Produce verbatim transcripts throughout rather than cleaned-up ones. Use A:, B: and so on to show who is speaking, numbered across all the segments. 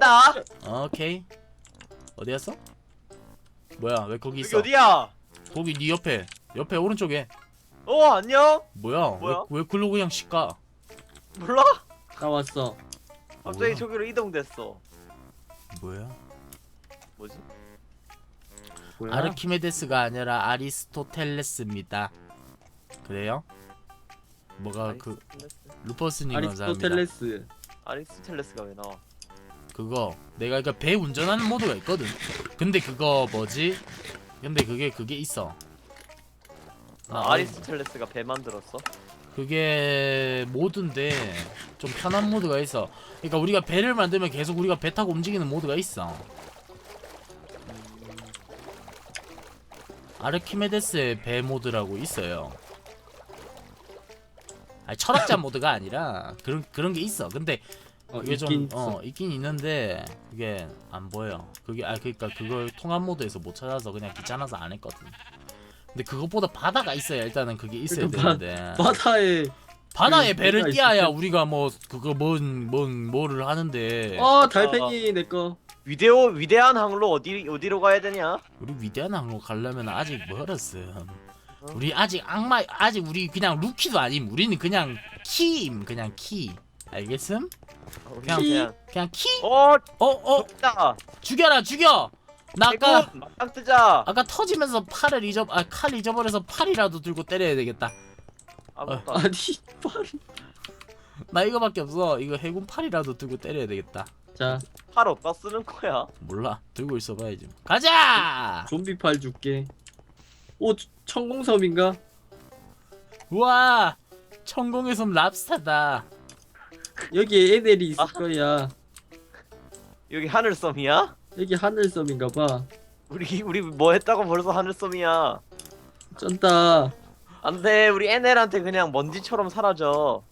A: 간다.
B: 오케이. 어디였어? 뭐야 왜 거기
A: 여기
B: 있어?
A: 어디야?
B: 거기 네 옆에 옆에 오른쪽에.
A: 어 안녕.
B: 뭐야?
A: 뭐야?
B: 왜, 왜 글로 그냥 씩가?
A: 몰라?
C: 나 왔어.
A: 갑자기
B: 뭐야?
A: 저기로 이동됐어.
B: 뭐야?
A: 뭐지?
C: 뭐야?
B: 아르키메데스가 아니라 아리스토텔레스입니다. 그래요? 뭐가 그 루퍼스님 감사합니다.
C: 아리스토텔레스.
A: 아리스토텔레스가 왜 나와?
B: 그거 내가 그러니까 배 운전하는 모드가 있거든. 근데 그거 뭐지? 근데 그게 그게 있어.
A: 아, 아리스토텔레스가 배 만들었어?
B: 그게 모드인데 좀 편한 모드가 있어. 그러니까 우리가 배를 만들면 계속 우리가 배 타고 움직이는 모드가 있어. 아르키메데스의 배 모드라고 있어요. 아니, 철학자 모드가 아니라 그런 그런 게 있어. 근데
C: 어,
B: 그게
C: 있긴
B: 좀
C: 있어.
B: 어 있긴 있는데 그게 안 보여. 그게 아 그러니까 그걸 통합 모드에서 못 찾아서 그냥 귀찮아서 안 했거든. 근데 그것보다 바다가 있어야 일단은 그게 있어야
C: 그러니까
B: 되는데
C: 바다에
B: 바다에
C: 그
B: 배를
C: 배가
B: 띄어야
C: 있을
B: 우리가 뭐 그거 뭔 뭔 뭐를 하는데
C: 어 달팽이 내꺼.
A: 위대오 위대한 항로 어디 어디로 가야 되냐?
B: 우리 위대한 항로 가려면 아직 멀었음. 우리 아직 악마 아직 우리 그냥 루키도 아님. 우리는 그냥 키임 그냥 키. 알겠음? 그냥
C: 키?
A: 그냥
B: 그냥 키?
A: 어
B: 어 어
A: 좋다.
B: 죽여라 죽여. 나 아까
A: 막상 뜨자.
B: 아까 터지면서 팔을 잊어 아 칼 잊어버려서 팔이라도 들고 때려야 되겠다.
A: 아무것도 안
C: 아니 빨리.
B: 나 이거밖에 없어. 이거 해군 팔이라도 들고 때려야 되겠다.
C: 자
A: 팔 어디다 쓰는 거야?
B: 몰라. 들고 있어봐야지. 가자.
C: 좀비 팔 줄게. 오 천공섬인가?
B: 우와. 천공의 섬 랍스타다.
C: 여기 애들이 있을
A: 아.
C: 거야.
A: 여기 하늘섬이야?
C: 여기 하늘섬인가 봐.
A: 우리 우리 뭐 했다고 벌써 하늘섬이야?
C: 쩐다.
A: 안돼 우리 에넬한테 그냥 먼지처럼 사라져.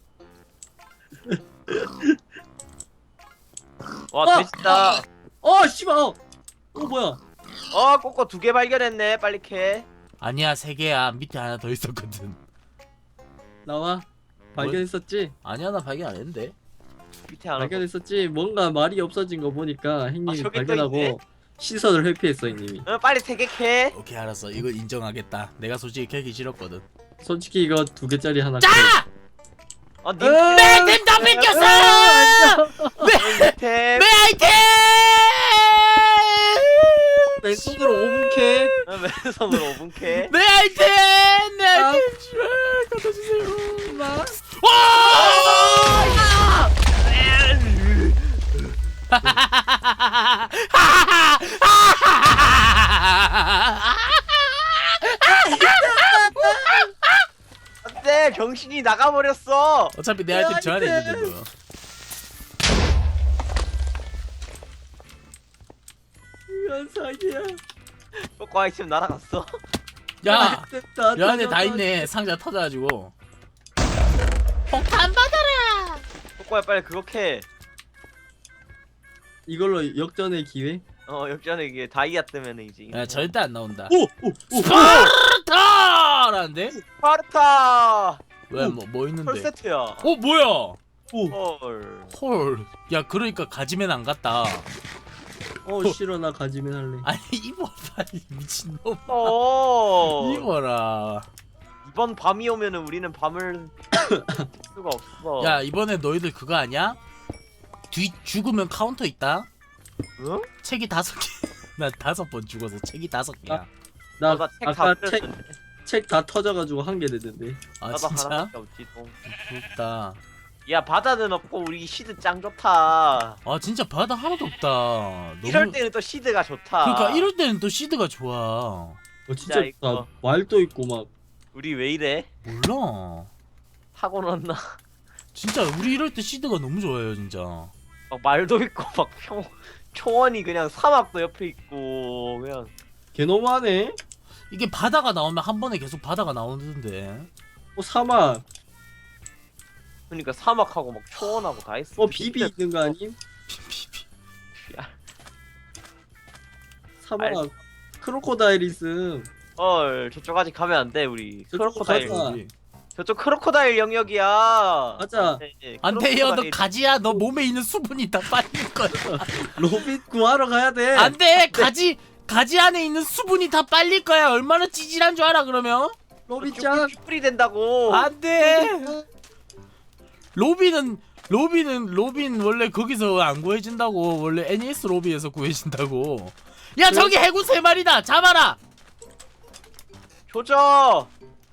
A: 와
C: 아!
A: 돼지다.
C: 어 씨발. 어 어, 뭐야?
A: 어 꼬꼬 두 개 발견했네. 빨리 캐.
B: 아니야 세 개야. 밑에 하나 더 있었거든.
C: 나와. 발견했었지?
B: 아니야 나 발견 안 했는데.
A: 밑에 하나. 더.
C: 발견했었지? 뭔가 말이 없어진 거 보니까 형님이
A: 저기 또 있네?
C: 발견하고 시선을 회피했어 형님이.
A: 어, 빨리 세 개 캐.
B: 오케이 알았어. 이거 인정하겠다. 내가 솔직히 캐기 싫었거든.
C: 솔직히 이거 두 개짜리 하나.
B: 자!
A: 어, 님
C: 으아!
B: 내 아이템 다 뺏겼어!
A: 템.
B: 내 아이템!
C: 왼손으로 오 분 캐.
A: 어, 맨손으로 오 분 캐.
B: 내 아이템! 내
C: 아.
B: 아이템! 씨발, 갖다 주세요.
C: 나.
B: 와!
A: 안돼 정신이 나가버렸어.
B: 어차피 내 아이템 저 안에 있는데 뭐.
C: 이런 사기야.
A: 꼬꼬 아이템 날아갔어.
B: 야!
C: 됐다.
B: 여 안에 다 있네. 상자 터져가지고. 폭탄 받아라!
A: 꼬꼬야 빨리 그거 캐.
C: 이걸로 역전의 기회?
A: 어 역전에 이게 다이아 뜨면 이제.
B: 야 절대 안 나온다.
C: 오! 오! 오!
B: 스파르타라는데?
A: 파르타.
B: 왜 뭐 뭐
A: 헐
B: 있는데?
A: 세트야.
B: 어 뭐야?
C: 오!
A: 헐.
B: 헐. 야 그러니까 가지면 안 갔다.
C: 어 싫어 나 가지면 할래.
B: 아니 입어라 이 미친놈.
A: 어.
B: 입어라.
A: 이번 밤이 오면은 우리는 밤을 쓸 수가 없어.
B: 야 이번에 너희들 그거 아니야? 뒤 죽으면 카운터 있다.
A: 응?
B: 책이 다섯 개. 나 다섯 번 죽어서 책이 다섯 개야.
C: 나
A: 나도 책다
C: 아까 책
A: 뿌렸는데.
C: 책 다 터져가지고 한 개 되던데.
B: 아
A: 나도
B: 진짜?
A: 하나밖에 없지 동.
B: 부럽다.
A: 야 바다는 없고 우리 시드 짱 좋다.
B: 아 진짜 바다 하나도 없다. 너무...
A: 이럴 때는 또 시드가 좋다.
B: 그러니까 이럴 때는 또 시드가 좋아.
C: 어
A: 진짜
C: 진짜
A: 이거.
C: 나 말도 있고 막.
A: 우리 왜 이래?
B: 몰라.
A: 타고 났나?
B: 진짜 우리 이럴 때 시드가 너무 좋아요 진짜.
A: 막 말도 있고 막 초, 초원이 그냥 사막도 옆에 있고 그냥
C: 개 너무하네.
B: 이게 바다가 나오면 한 번에 계속 바다가 나오는데.
C: 어 사막.
A: 그러니까 사막하고 막 초원하고 다 있어.
C: 어 비비 있는 거 아님?
B: 피피피.
C: 사막.
A: 알-
C: 크로코다일 있음.
A: 헐 저쪽 아직 가면 안 돼 우리.
C: 저쪽
A: 크로코다일.
C: 가자.
A: 저쪽 크로코다일 영역이야.
C: 가자.
A: 네,
B: 안 돼요. 너
A: 크로코다일.
B: 가지야. 너 몸에 있는 수분이 다 빠지는 거. 거야.
C: 로빈 구하러 가야 돼.
B: 안돼. 가지 가지 안에 있는 수분이 다 빨릴 거야. 얼마나 찌질한 줄 알아 그러면?
C: 로빈 짱.
A: 큐플이 된다고.
B: 안돼. 로빈은 로빈은 로빈 원래 거기서 안 구해진다고. 원래 애니에스 로비에서 구해진다고. 야 저기 해군 세 마리다. 잡아라.
A: 조져.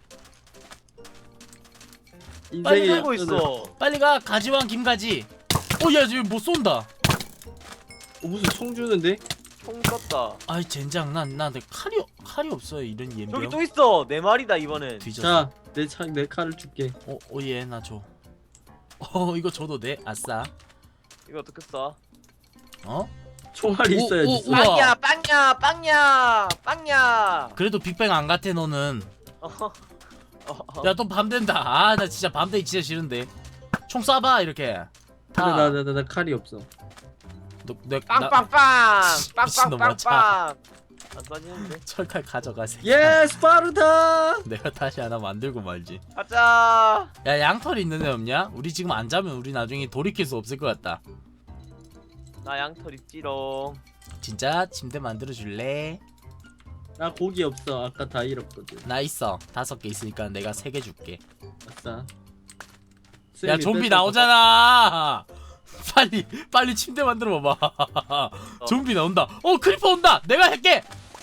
A: 빨리
C: 인생의
A: 살고
C: 역전을.
A: 있어.
B: 빨리 가. 가지왕 김가지. 어야 지금 뭐 쏜다.
C: 어, 무슨 총 주는데?
A: 총 떴다.
B: 아이 젠장 난나 칼이 칼이 없어요 이런
A: 저기
B: 예명.
A: 또 있어. 네 마리다 이번엔.
B: 뒤졌어.
C: 자, 내 차, 내 칼을 줄게.
B: 어, 오예 나 줘. 어 이거 줘도 돼? 아싸.
A: 이거 어떻게 써?
B: 어?
C: 총알이
B: 오,
C: 있어야지.
B: 오, 우와.
A: 빵야, 빵야, 빵야, 빵야.
B: 그래도 빅뱅 안 같아 너는.
A: 어, 어.
B: 야 또 밤 된다. 아 나 진짜 밤 되기 진짜 싫은데. 총 쏴봐 이렇게.
C: 근데
B: 다.
C: 나, 나, 나, 나 칼이 없어.
B: 너, 내, 나,
A: 빵빵빵,
B: 미친놈아, 자.
A: 빵빵빵빵. 안 쏴지는데?
B: 철칼 가져가세.
C: 예, 스파르타.
B: 내가 다시 하나 만들고 말지.
A: 가자.
B: 야 양털 있는 애 없냐? 우리 지금 안 자면 우리 나중에 돌이킬 수 없을 것 같다.
A: 나 양털 있지롱.
B: 진짜 침대 만들어 줄래?
C: 나 고기 없어. 아까 다 잃었거든.
B: 나 있어. 다섯 개 있으니까 내가 세 개 줄게.
C: 아싸.
B: 야
C: 쌤이
B: 좀비
C: 뺏어서
B: 나오잖아. 빨리 빨리 침대 만들어 봐봐.
A: 어.
B: 좀비 나온다. 어 크리퍼 온다. 내가 할게.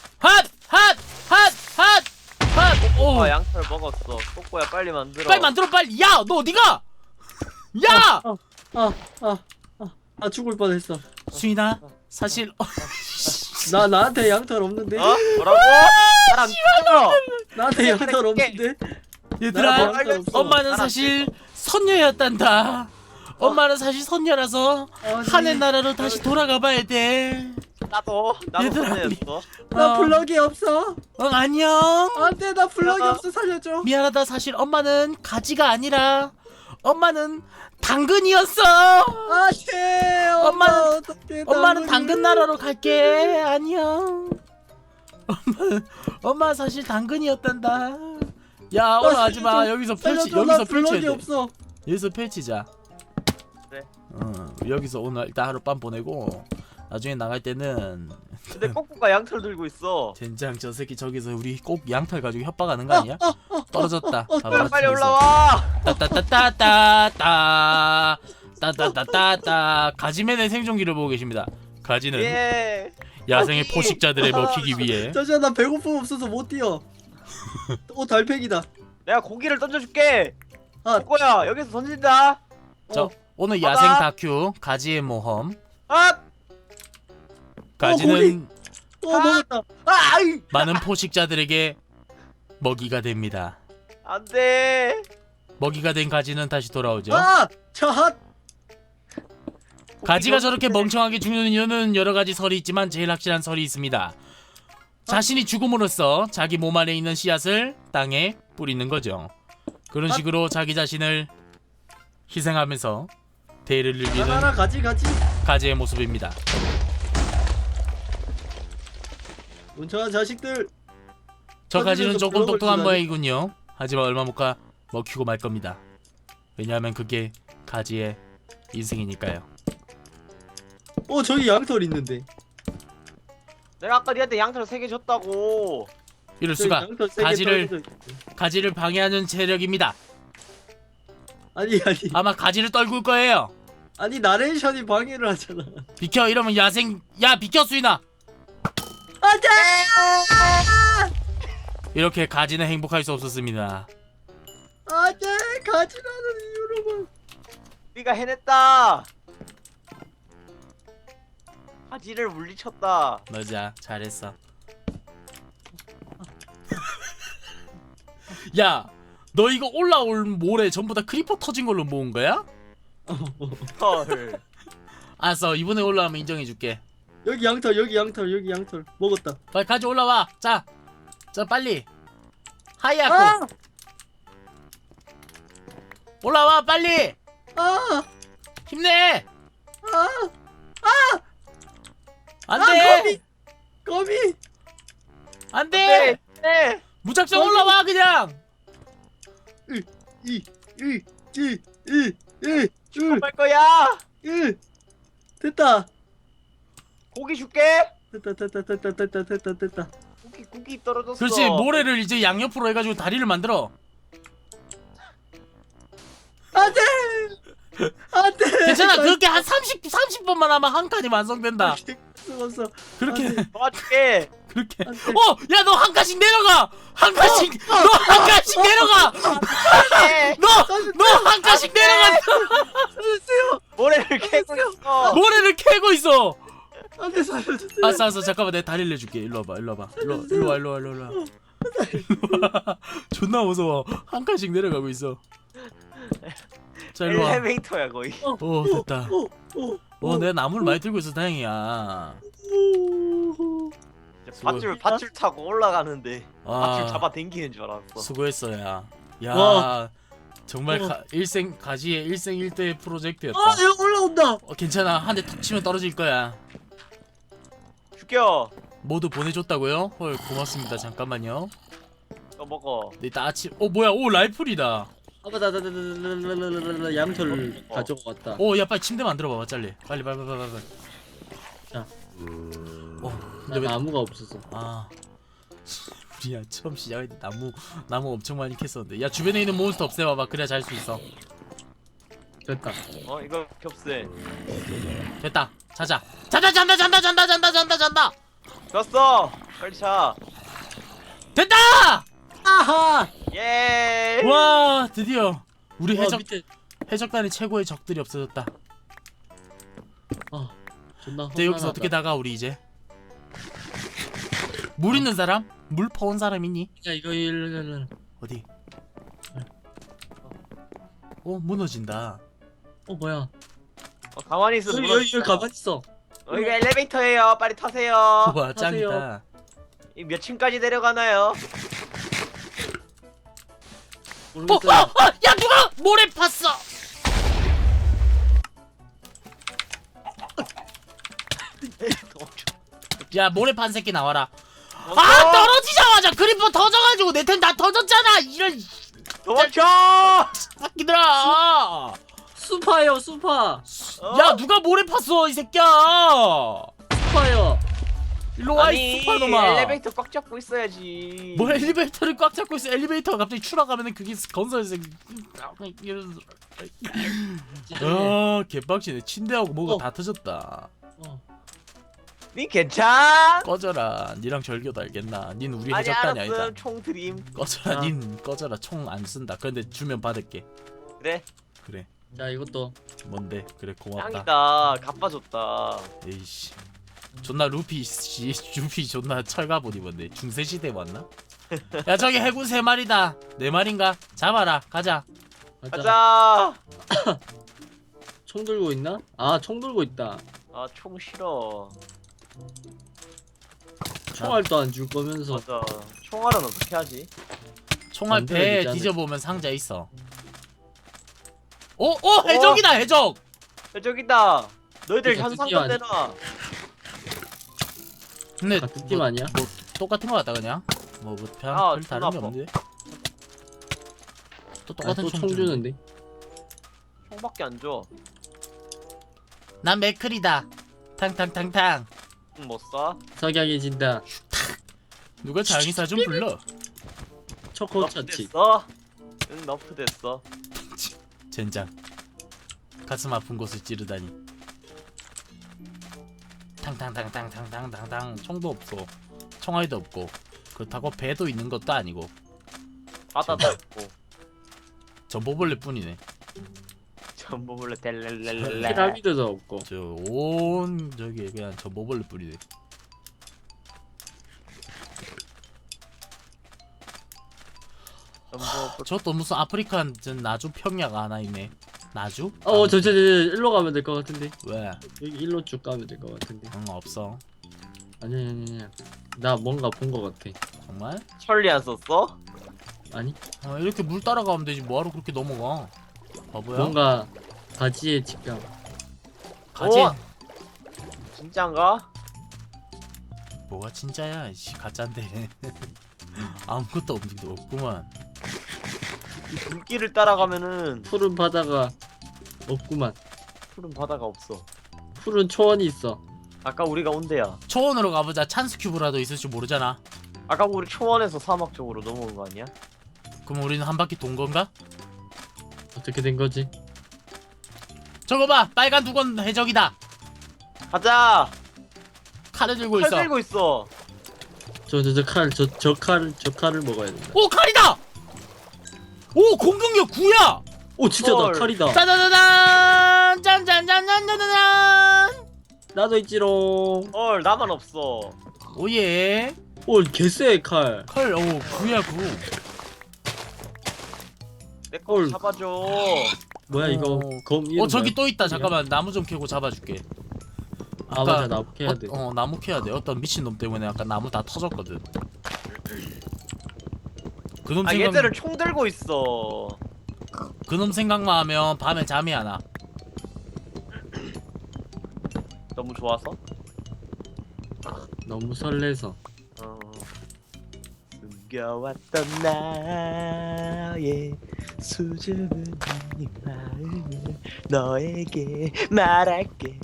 B: 핫핫핫핫핫. 오.
A: 아 양털 먹었어. 꼬꼬야 빨리 만들어.
B: 빨리 만들어 빨리. 야 너 어디가? 야
C: 아, 아, 아, 아, 아 죽을 뻔했어.
B: 수인아 사실 어,
C: 나 나한테 양털 없는데.
A: 어? 뭐라고? 사람 죽여.
C: 나한테 양털 없는데.
B: 얘들아
C: 나랑 양털 없어.
B: 엄마는 사실 선녀였단다. 엄마는 사실 선녀라서
C: 아니,
B: 하늘 나라로 다시 돌아가 봐야 돼.
A: 나도 나도
B: 얘들아,
A: 선녀였어.
C: 나
B: 어.
C: 블럭이 없어.
B: 어 안녕.
C: 안돼, 나 블럭이
A: 야.
C: 없어. 살려줘.
B: 미안하다. 사실 엄마는 가지가 아니라 엄마는 당근이었어.
C: 안돼. 엄마
B: 엄마는-
C: 어떡해.
B: 엄마는
C: 나
B: 당근 나라로 갈게. 안녕. 엄마 엄마 사실 당근이었단다. 야 올라가지 마.
C: 살려줘.
B: 여기서 펼치
C: 살려줘.
B: 여기서
C: 나
B: 펼쳐야
C: 블럭이
B: 돼.
C: 없어.
B: 여기서 펼치자.
A: 그래.
B: 어 여기서 오늘 일단 하룻밤 보내고 나중에 나갈 때는
A: 근데 꼬꼬가 양털 들고 있어.
B: 젠장 저 새끼 저기서 우리 꼭 양털 가지고 협박하는 거 아니야? 떨어졌다.
C: 어,
B: 봐봐,
A: 빨리
B: 뒤에서.
A: 올라와.
B: 따따따따따따 따따따따따 가지맨의 생존기를 보고 계십니다. 가지는
A: 예.
B: 야생의
A: 아니.
B: 포식자들을 먹히기 위해
C: 저저 나 배고픔 없어서 못 뛰어. 오 달팽이다.
A: 내가 고기를 던져줄게.
C: 아.
A: 꼬꼬야 여기서 던진다.
B: 자
C: 어.
B: 오늘
A: 봐봐.
B: 야생 다큐 가지의 모험.
A: 아,
B: 가지는
C: 또 먹었다.
A: 아, 아이.
B: 많은 포식자들에게 먹이가 됩니다.
A: 안돼.
B: 먹이가 된 가지는 다시 돌아오죠.
C: 아, 차핫.
B: 가지가 저렇게 멍청하게 죽는 이유는 여러 가지 설이 있지만 제일 확실한 설이 있습니다. 자신이 죽음으로써 자기 몸 안에 있는 씨앗을 땅에 뿌리는 거죠. 그런 식으로 자기 자신을 희생하면서 대의를
C: 나나라
B: 늘리는
C: 가지 가지.
B: 가지의 모습입니다.
C: 멍청한 자식들.
B: 저 가지는
C: 터지면서
B: 조금
C: 블럭을
B: 똑똑한
C: 주다니.
B: 모양이군요. 하지만 얼마 못 가 먹히고 말 겁니다. 왜냐하면 그게 가지의 인생이니까요.
C: 어 저기 양털 있는데.
A: 내가 아까 니한테 양털 세 개 줬다고.
B: 이럴
C: 저기
B: 수가.
C: 양털 세개
B: 가지를-
C: 떨어져 있는데.
B: 가지를 방해하는 세력입니다.
C: 아니 아니
B: 아마 가지를 떨굴 거예요.
C: 아니 나레이션이 방해를 하잖아.
B: 비켜 이러면 야생. 야 비켜 수인아.
C: 안돼.
B: 이렇게 가지는 행복할 수 없었습니다.
C: 안돼 가지라는 이유로만.
A: 우리가 해냈다. 바지를 물리쳤다.
B: 맞아 잘했어. 야 너 이거 올라올 모래 전부 다 크리퍼 터진 걸로 모은 거야?
A: 헐.
B: 알았어 이번에 올라오면 인정해줄게.
C: 여기 양털 여기 양털 여기 양털 먹었다.
B: 빨리 가지 올라와. 자, 자 빨리. 하이야쿠
C: 아!
B: 올라와 빨리.
C: 아!
B: 힘내.
C: 아! 아!
B: 안돼.
C: 거미! 거미!
B: 안돼.
A: 네.
B: 무작정
C: 거미.
B: 올라와 그냥.
C: 이! 이! 이! 이! 이! 이!
A: 할 거야.
C: 이! 됐다.
A: 고기 줄게.
C: 됐다 됐다 됐다 됐다 됐다 됐다.
A: 고기 고기 떨어졌어.
B: 그렇지. 모래를 이제 양옆으로 해가지고 다리를 만들어.
C: 안돼. 안돼.
B: 괜찮아. 그렇게 한 삼십 삼십 번만 하면 한 칸이 완성된다.
C: 죽었어.
B: 그렇게
C: 안 돼.
A: 도와줄게.
B: 그렇게.
C: 안 돼.
B: 어, 야 너 한 칸씩 내려가. 한 칸씩. 너 한 칸씩 내려가.
A: 네.
B: 너 너 한 칸씩 내려가.
C: 살려주세요.
A: 모래를 캐고 있어.
B: 모래를 캐고 있어.
C: 안돼 살려주세요.
B: 알았어, 알았어. 잠깐만 내가 다리를 내줄게. 일로 와봐, 일로 와봐. 일로, 일로 와, 일로 와, 일로 와. 일로 와. 존나 무서워. 한 칸씩 내려가고 있어. 자, 일로 와.
A: 엘리베이터야 거의.
B: 오, 됐다.
C: 오, 오,
B: 어, 내가 나무를 많이 들고 있어 다행이야.
C: 오.
B: 수고.
A: 밧줄 밧줄 타고 올라가는데 밧줄
B: 아,
A: 잡아 당기는 줄 알았어.
B: 수고했어, 야. 야,
C: 와.
B: 정말
C: 어.
B: 가, 일생 가지의 일생일대 프로젝트였다.
C: 아 얘가 올라온다.
B: 어, 괜찮아. 한 대 툭 치면 떨어질 거야.
A: 죽여.
B: 모두 보내줬다고요? 헐, 고맙습니다. 잠깐만요.
A: 너 먹어.
B: 네, 나 아침. 어, 뭐야? 오, 라이플이다.
C: 아바다다다다다다다다다 양털
A: 어.
C: 가져고 왔다.
B: 오, 야, 빨리 침대 만들어 봐봐, 빨리. 빨리, 빨리, 빨리, 빨리. 빨리.
C: 자.
B: 어,
C: 나
B: 근데 왜?
C: 나무가 없어서.
B: 아, 우리야 처음 시작할 때 나무 나무 엄청 많이 캤었는데. 야, 주변에 있는 몬스터 없애봐봐. 그래야 잘 수 있어.
C: 됐다.
A: 어 이거 겹세.
B: 됐다. 자자. 자자, 잔다, 잔다, 잔다, 잔다, 잔다, 잔다.
A: 졌어. 빨리 차.
B: 됐다!
C: 아하.
A: 예.
B: 와, 드디어 우리
C: 와,
B: 해적
C: 밑에.
B: 해적단의 최고의 적들이 없어졌다.
C: 아 존나.
B: 근데 여기서 어떻게 나가 우리 이제? 물 있는 사람? 물 퍼온 사람 있니?
C: 야 이거 일을.
B: 어디? 어, 무너진다.
C: 어 뭐야?
A: 어, 가만히 있어.
C: 여기 여기 여기 가만 있어.
A: 어, 이거 엘리베이터예요. 빨리 타세요.
B: 와, 짱이다.
C: 타세요.
A: 이 몇 층까지 내려가나요?
B: 어,
C: 모르겠어요.
B: 어, 어, 야, 누가 모래 팠어? 야, 모래 판 새끼 나와라. 아, 떨어지자마자 그리퍼 터져가지고 내 템 다 터졌잖아. 이런
A: 도망쳐!
B: 새끼들아.
C: 수파요 수파.
A: 어?
B: 야, 누가 모래 팠어 이 새끼야.
C: 수파요.
B: 일로 와,
A: 아니
B: 이 스파노마.
A: 엘리베이터 꽉 잡고 있어야지.
B: 뭐 엘리베이터를 꽉 잡고 있어. 엘리베이터가 갑자기 추락하면은 그게 건설에서 아, 개빡치네. 침대하고 뭐가
C: 어.
B: 다 터졌다.
C: 어.
A: 니 괜찮?
B: 꺼져라. 니랑 절교도 알겠나. 닌 우리
A: 아니
B: 해적단이 아니다.
A: 알았음. 총 드림.
B: 꺼져라.
C: 아.
B: 닌 꺼져라. 총 안 쓴다. 그런데 주면 받을게.
A: 그래.
B: 그래.
C: 자 이것도.
B: 뭔데? 그래, 고맙다.
A: 짱이다. 갚아줬다.
B: 에이씨. 존나 루피 씨, 루피 존나 철갑옷 입었네. 중세 시대 왔나? 야, 저기 해군 세 마리다. 네 마리인가? 잡아라. 가자.
C: 가자.
A: 가자.
C: 총 들고 있나? 아 총 들고 있다.
A: 아 총 싫어.
C: 총알도 안 줄 거면서.
A: 맞아. 총알은 어떻게 하지?
B: 총알
C: 만들어야
B: 배에
C: 되지 않을까?
B: 뒤져보면 상자 있어. 오, 오, 해적이다, 해적.
A: 야, 저기다. 너희들
C: 이거
A: 현상금
C: 드디어
A: 내놔.
B: 근데
C: 같은 팀
B: 뭐,
C: 아니야?
B: 뭐 똑같은 거 같다 그냥. 뭐, 뭐 별,
A: 아,
B: 별 다른
A: 존나
B: 게
A: 아파.
B: 없는데. 또
C: 아,
B: 똑같은
C: 또
B: 총,
C: 총
B: 주는데.
C: 주는데.
A: 총밖에 안 줘.
B: 난 맥클이다. 탕탕탕탕.
A: 응, 못 쏴.
C: 석양해진다.
B: 누가 장의사 좀 불러.
C: 초코
A: 너프
C: 차치.
A: 됐어. 응, 너프 됐어.
B: 젠장. 가슴 아픈 곳을 찌르다니. 탕탕탕탕탕탕탕탕. 총도 없고 총알도 없고 그렇다고 배도 있는 것도 아니고
A: 바다도 없고.
B: 전보벌레 뿐이네.
A: 전보물레 델렐렐렐.
C: 피라미드도 없고.
B: 저 온 저기 그냥 전보벌레 뿐이네.
A: 전보
B: 저또 무슨 아프리칸 전 나주 평야가 하나 있네. 나주?
C: 어, 저, 저, 저, 일로 가면 될 것 같은데.
B: 왜?
C: 여기 일로 쭉 가면 될 것 같은데.
B: 응, 없어.
C: 아니, 아니, 아니, 아니. 나 뭔가 본 것 같아.
B: 정말?
A: 천리 안 썼어?
C: 아니?
B: 아, 이렇게 물 따라가면 되지 뭐하러 그렇게 넘어가. 바보야?
C: 뭔가 가지의 직감.
B: 가지?
A: 오! 진짠가?
B: 뭐가 진짜야? 씨, 가짜인데. 아무것도 없, 없구만.
A: 이 불길을 따라가면은
C: 푸른 바다가 없구만.
A: 푸른 바다가 없어.
C: 푸른 초원이 있어.
A: 아까 우리가 온대야.
B: 초원으로 가보자. 찬스 큐브라도 있을지 모르잖아.
A: 아까 우리 초원에서 사막 쪽으로 넘어온 거 아니야?
B: 그럼 우리는 한 바퀴 돈 건가?
C: 어떻게 된 거지?
B: 저거 봐, 빨간 두건 해적이다.
A: 가자.
B: 칼을 들고
A: 칼
B: 있어.
A: 들고 있어.
C: 저 저 저 칼 저 저 칼 저 칼을 먹어야 된다.
B: 오, 칼이다. 오, 공격력 구야.
C: 오 진짜 나
A: 헐.
C: 칼이다.
B: 짜자자잔, 짠짠짠짠짠짠.
C: 나도 있지롱.
A: 헐 나만 없어.
B: 오예.
C: 오 개쎄 칼.
B: 칼, 오, 구야 구.
A: 내 거
C: 헐.
A: 잡아줘.
C: 뭐야 이거
B: 어.
C: 검 이름
B: 어, 저기
C: 뭐야?
B: 또 있다. 잠깐만, 나무 좀 캐고 잡아줄게.
C: 아 맞아 나무 캐야 돼.
B: 어, 어, 나무 캐야 돼. 어떤 미친 놈 때문에 아까 나무 다 터졌거든. 그놈
A: 아
B: 생각,
A: 얘들은 총 들고 있어.
B: 그놈 생각만 하면 밤에 잠이 안 와.
A: 너무 좋아서?
C: 너무 설레서.
A: 어. 숨겨왔던 나의 수줍은 네 마음을 너에게 말할게.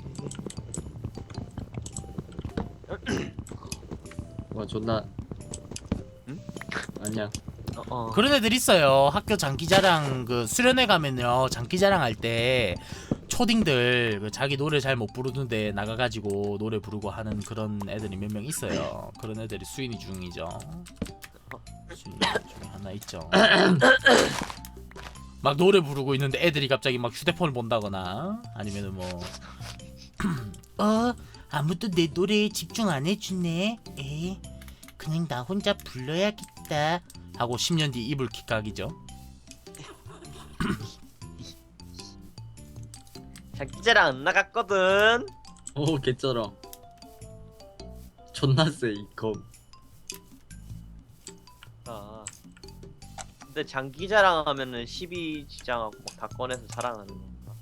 C: 와 존나.
A: 응?
C: 아니야.
A: 어, 어.
B: 그런 애들 있어요. 학교 장기자랑 그 수련회 가면요, 장기자랑 할 때 초딩들 그 자기 노래 잘 못 부르는데 나가가지고 노래 부르고 하는 그런 애들이 몇 명 있어요. 그런 애들이 수인이 중이죠. 수인이 중에 하나 있죠. 막 노래 부르고 있는데 애들이 갑자기 막 휴대폰을 본다거나 아니면은 뭐 어, 아무도 내 노래에 집중 안 해주네. 에, 그냥 나 혼자 불러야겠다 하고 십 년 뒤 이불킥 각이죠.
A: 장기자랑 안 나갔거든.
C: 오 개쩔어. 존나 쎄이 검.
A: 아. 근데 장기자랑 하면은 십이 지장하고 막 다 꺼내서 자랑하는 건가?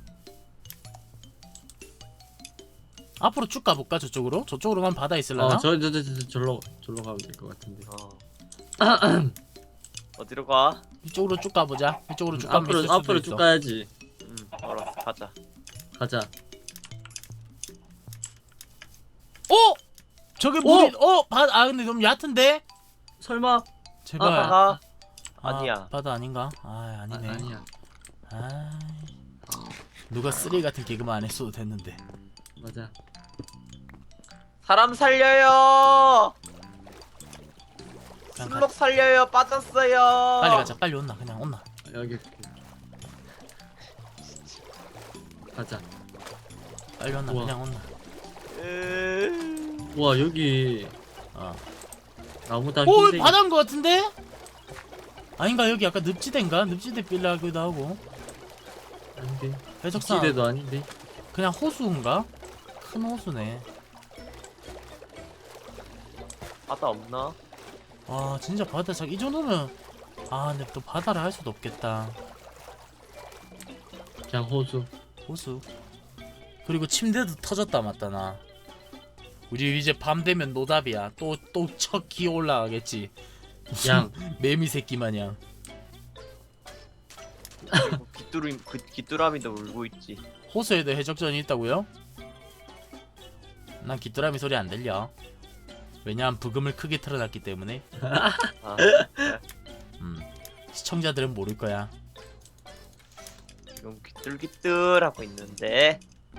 B: 앞으로 쭉 가볼까 저쪽으로? 저쪽으로 가면 바다 있을라나?
C: 어저저 저 저 절로 절로 가면 될 것 같은데.
A: 어. 어디로 가?
B: 이쪽으로 쭉 가보자. 이쪽으로 쭉 가면 있을
C: 앞으로
B: 수도
C: 앞으로
B: 있어.
C: 쭉 가야지.
A: 응, 알았어, 가자.
C: 가자.
B: 어? 저게 물이 어? 바다 아 근데 너무 얕은데?
C: 설마?
B: 제발.
A: 아, 가.
B: 아,
A: 아니야.
B: 바다 아닌가? 아 아니네.
C: 아, 아니야.
B: 아, 누가 쓰레기 같은 개그만 안 했어도 됐는데.
C: 맞아.
A: 사람 살려요.
B: 그냥
A: 슬록 살려요. 빠졌어요.
B: 빨리 가자. 빨리 온나 그냥 온나.
C: 여기. 가자.
B: 빨리 온나
C: 우와.
B: 그냥 온나.
A: 으...
C: 와 여기
B: 어.
C: 나무 다
B: 오
C: 흰색.
B: 바다인 것 같은데? 아닌가 여기 약간 늪지대인가? 늪지대 빌라기도 하고.
C: 아닌데.
B: 해적산
C: 기대도 아닌데.
B: 그냥 호수인가? 큰 호수네.
A: 바다 없나?
B: 아 진짜 바다 작 이 정도면 아 근데 또 바다를 할 수도 없겠다.
C: 그냥 호수.
B: 호수. 그리고 침대도 터졌다 맞다 나. 우리 이제 밤 되면 노답이야. 또 또 첫 기어 올라가겠지. 무슨
C: 양.
B: 매미 새끼 마냥.
A: 그리고 귀뚜리 그 귀뚜라미도 울고 있지.
B: 호수에도 해적전이 있다고요? 난 귀뚜라미 소리 안 들려. 왜냐면 부금을 크게 틀어놨기 때문에.
A: 아,
B: 음. 시청자들은 모를 거야.
A: 지금 귀뚤귀뚤 하고 있는데.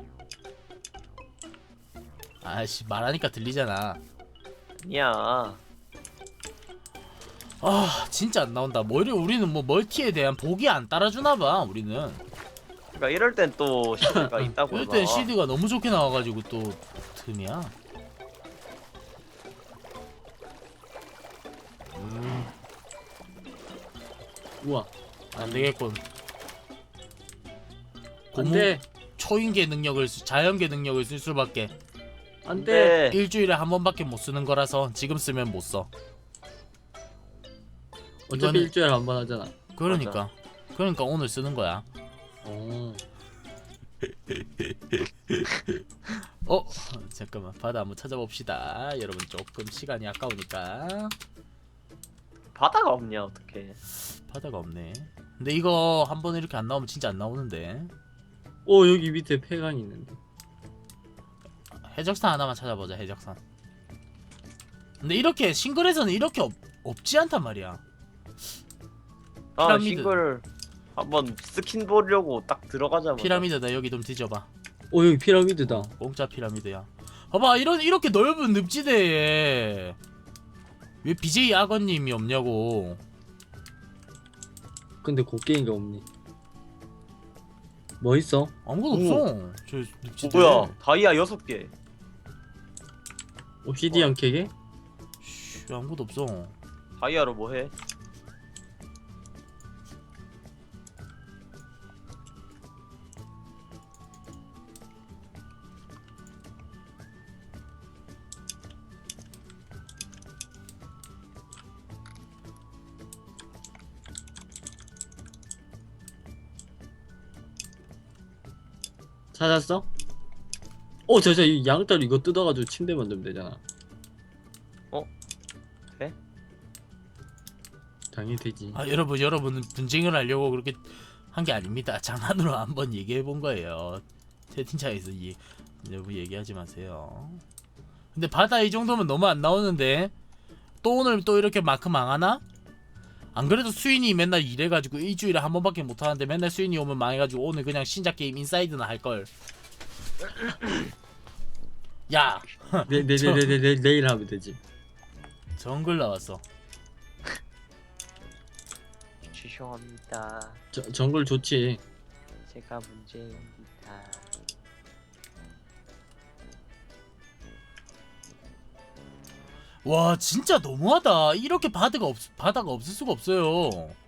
B: 아씨 말하니까 들리잖아.
A: 아니야.
B: 아 진짜 안 나온다. 뭐 이래 우리는 뭐 멀티에 대한 복이 안 따라주나봐 우리는.
A: 그러니까 이럴 땐 또 시드가 있다고.
B: 이럴 땐 씨디가 너무 좋게 나와가지고 또 틈이야. 음,
C: 우와.
B: 안 되겠군. 고무
C: 안돼.
B: 초인계 능력을 쓰- 자연계 능력을 쓸 수밖에.
C: 안돼.
A: 네.
B: 일주일에 한 번밖에 못 쓰는 거라서 지금 쓰면 못 써.
C: 어차피
B: 이거는-
C: 일주일에 한 번 하잖아.
B: 그러니까 그러니까 오늘 쓰는 거야.
C: 오.
B: 어 잠깐만 바다 한번 찾아봅시다. 여러분 조금 시간이 아까우니까.
A: 바다가 없냐 어떻게?
B: 바다가 없네. 근데 이거 한 번 이렇게 안 나오면 진짜 안 나오는데.
C: 오 여기 밑에 폐광이 있는데.
B: 해적선 하나만 찾아보자. 해적선. 근데 이렇게 싱글에서는 이렇게 없, 없지 않단 말이야.
A: 아
B: 피라미드.
A: 싱글 한번 스킨 보려고 딱 들어가자마자
B: 피라미드다. 여기 좀 뒤져봐.
C: 오 여기 피라미드다.
B: 공짜 피라미드야. 봐봐, 이런 이렇게 넓은 늪지대에 왜 비제이 악어님이 없냐고.
C: 근데 곡괭이가 없니? 뭐 있어?
B: 아무것도 없어. 저
A: 어,
B: 늪지대.
A: 뭐야 다이아 여섯 개.
C: 옵시디언 캐게?
B: 씨, 아무것도 없어.
A: 다이아로 뭐 해?
C: 찾았어? 어, 저, 저, 이 양털 이거 뜯어가지고 침대 만들면 되잖아.
A: 어? 돼?
C: 당연히 되지.
B: 아, 여러분, 여러분 분쟁을 하려고 그렇게 한 게 아닙니다. 장난으로 한번 얘기해 본 거예요. 채팅창에서 이 여러분 얘기하지 마세요. 근데 바다 이 정도면 너무 안 나오는데 또 오늘 또 이렇게 마크 망하나? 안 그래도 수인이 맨날 일해가지고 일주일에 한 번밖에 못 하는데 맨날 수인이 오면 망해가지고 오늘 그냥 신작 게임 인사이드나 할 걸. 야,
C: 내, 내, 내, 내, 내, 내, 내일 하면 되지.
B: 정글 나왔어.
A: 죄송합니다.
C: 저, 정글 좋지.
A: 제가 문제입니다.
B: 와, 진짜 너무하다. 이렇게 바다가 없 바다가 없을 수가 없어요.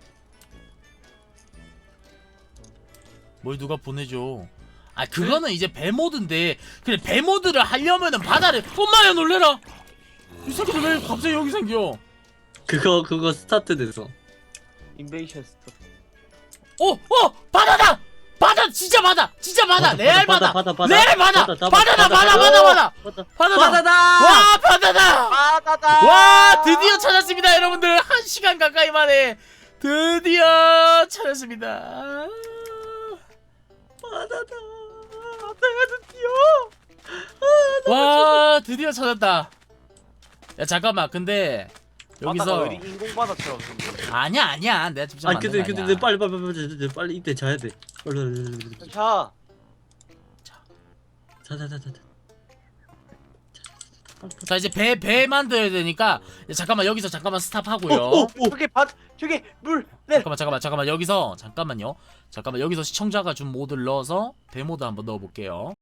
B: 뭘 누가 보내줘? 아, 그거는 이제 배 모드인데, 그래 배 모드를 하려면은 바다를. 엄마야 놀래라. 이 새끼들 왜 갑자기 여기 생겨?
C: 그거, 그거 스타트 됐어.
A: 인베이션 스톱.
B: 어, 어, 바다다. 바다 진짜 바다. 진짜 바다.
C: 바다,
B: 레알
C: 바다,
B: 바다.
C: 바다, 바다,
B: 레알 바다.
C: 바다,
B: 바다다.
C: 바다,
B: 바다, 바다, 바다.
C: 바다.
B: 바다다.
C: 바다다!
B: 와, 바다다.
A: 바다다.
B: 와, 드디어 찾았습니다, 여러분들. 한 시간 가까이 만에 드디어 찾았습니다.
C: 바다다.
A: 바다가 드디어.
B: 와, 드디어 찾았다. 야, 잠깐만. 근데
A: 바다가
B: 여기서
A: 왜 이리 인공 바다처럼 생겨?
B: 아니야, 아니야. 내가 직접
C: 아,
B: 만든
C: 근데,
B: 거
C: 근데,
B: 아니야.
C: 근데 빨리, 빨리, 빨리, 빨리, 빨리, 빨리 이때 자야 돼. 빨리, 빨리, 빨리, 빨리, 빨리.
A: 자,
C: 자, 자, 자, 자, 자.
B: 자, 이제 배 배 만들어야 되니까. 야, 잠깐만, 여기서 잠깐만 스탑하고요.
C: 어, 어.
A: 저기 바, 저기 물. 네.
B: 잠깐만, 잠깐만, 잠깐만. 여기서 잠깐만요. 잠깐만, 여기서 시청자가 준 모드를 넣어서 배 모드 한번 넣어볼게요.